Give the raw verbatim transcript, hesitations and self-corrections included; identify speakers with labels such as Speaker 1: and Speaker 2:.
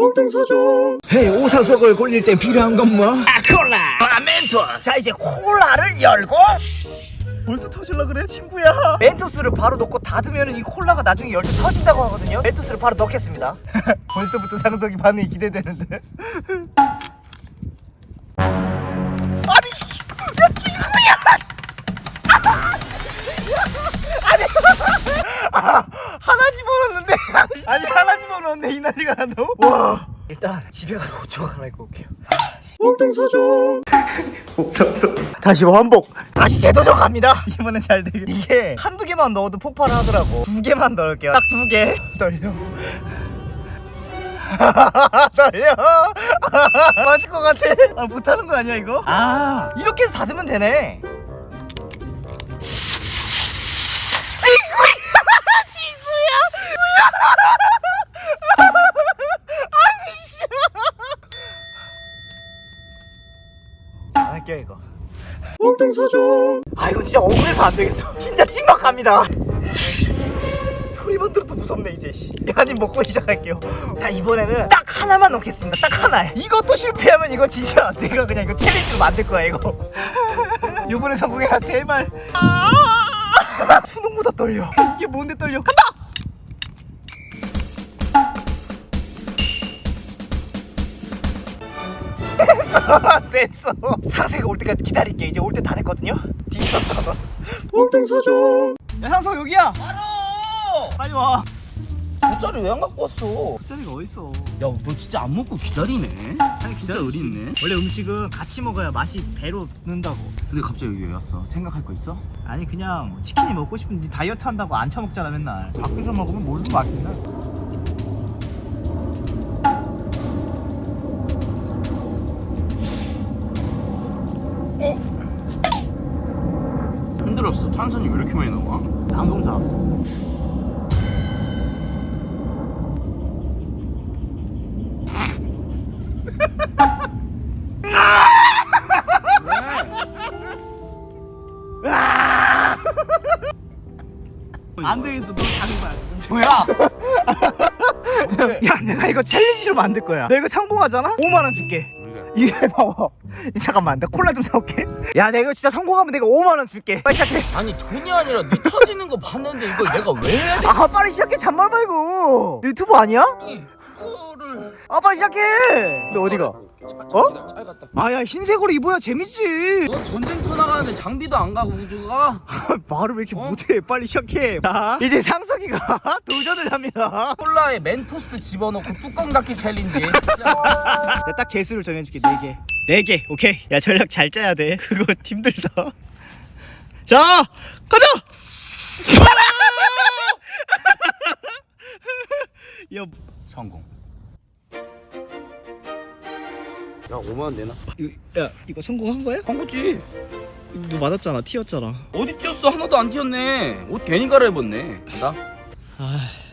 Speaker 1: 몽땅사죠. 헤이, 오사석을 굴릴 때 필요한 건 뭐?
Speaker 2: 아, 콜라! 아, 멘토! 자, 이제 콜라를 열고 벌써 터질라 그래, 친구야? 멘토스를 바로 넣고 닫으면 이 콜라가 나중에 열 때 터진다고 하거든요? 멘토스를 바로 넣겠습니다. 벌써부터 상석이 반응이 기대되는데. 아니, 야, 친구야! 아니, 아, 하나 집어넣었는데 아니, 하나 집어넣었네. 이 난리가 난다고? 와, 일단 집에 가서 옷 좀 갈아입고 올게요.
Speaker 1: 몽땅사죠.
Speaker 2: 없었어. 다시 반복. 다시 재도전 갑니다. 이번엔 잘 되게. 이게 한두 개만 넣어도 폭발을 하더라고. 두 개만 넣을게요. 딱 두 개. 떨려. 떨려. 맞을 것 같아. 아, 못하는 거 아니야 이거? 아, 이렇게 해서 닫으면 되네. 친구야. 친구야. 아니, 씨. 안 할게요 이거.
Speaker 1: 몽땅사죠.
Speaker 2: 아, 이건 진짜 억울해서 안 되겠어. 진짜 심각합니다. 소리만 들어도 무섭네 이제. 한입 먹고 시작할게요. 자, 이번에는 딱 하나만 넣겠습니다. 딱 하나. 이것도 실패하면 이거 진짜 내가 그냥 이거 챌린지로 만들 거야 이거. 이번에 성공해라 제발. 수능보다 떨려. 이게 뭔데 떨려. 간다. 됐어, 됐어. 상세가 올 때까지 기다릴게. 이제 올 때 다 됐거든요. 뒤졌어.
Speaker 1: 몽땅사죠.
Speaker 2: 야, 상석 여기야. 바로. 빨리 와. 돗자리 왜 안 갖고 왔어? 돗자리가 어딨어?
Speaker 3: 야, 너 진짜 안 먹고 기다리네?
Speaker 2: 아니,
Speaker 3: 진짜 의리 있네.
Speaker 2: 원래 음식은 같이 먹어야 맛이 배로 는다고.
Speaker 3: 근데 갑자기 여기 왜 왔어? 생각할 거 있어?
Speaker 2: 아니, 그냥 치킨이 먹고 싶은데 다이어트 한다고 안 처먹잖아 맨날. 밖에서 먹으면 뭘로 맛있나?
Speaker 3: 어? 힘들었어. 탄산이 왜 이렇게 많이 나와?
Speaker 2: 방금 사왔어. 안 되겠어. 너 장난.
Speaker 3: 뭐야?
Speaker 2: 야, 내가 이거 챌린지로 만들 거야. 내가 이거 성공하잖아? 오만 원 줄게. 이게 봐봐. 잠깐만, 나 콜라 좀 사올게. 야, 내가 이거 진짜 성공하면 내가 오만 원 줄게. 빨리 시작해.
Speaker 3: 아니, 돈이 아니라 네 터지는 거 봤는데 이걸 내가 왜 해야 돼?
Speaker 2: 아, 빨리 시작해. 잔말 말고. 유튜브 아니야?
Speaker 3: 아니, 그거를.
Speaker 2: 아, 빨리 시작해. 너 어디가? 어?
Speaker 3: 잘 갔다.
Speaker 2: 아, 야, 흰색으로 입어야 재밌지.
Speaker 3: 너 전쟁터 나가는데 장비도 안 가고 우주가?
Speaker 2: 말을 왜 이렇게
Speaker 3: 어?
Speaker 2: 못해? 빨리 시작해. 자, 이제 상석이가 도전을 합니다.
Speaker 3: 콜라에 멘토스 집어넣고 뚜껑 닫기 챌린지. 진짜.
Speaker 2: 내가 딱 개수를 정해줄게. 네 개. 네 개. 오케이. 야, 전략 잘 짜야 돼. 그거 힘들다. 자, 가자. 야,
Speaker 3: 성공. 야, 오만 원 내놔.
Speaker 2: 이거, 야, 이거 성공한 거야?
Speaker 3: 한 거지.
Speaker 2: 너 맞았잖아. 튀었잖아.
Speaker 3: 어디 뛰었어? 하나도 안 튀었네. 옷 괜히 갈아입었네. 나?
Speaker 2: 아,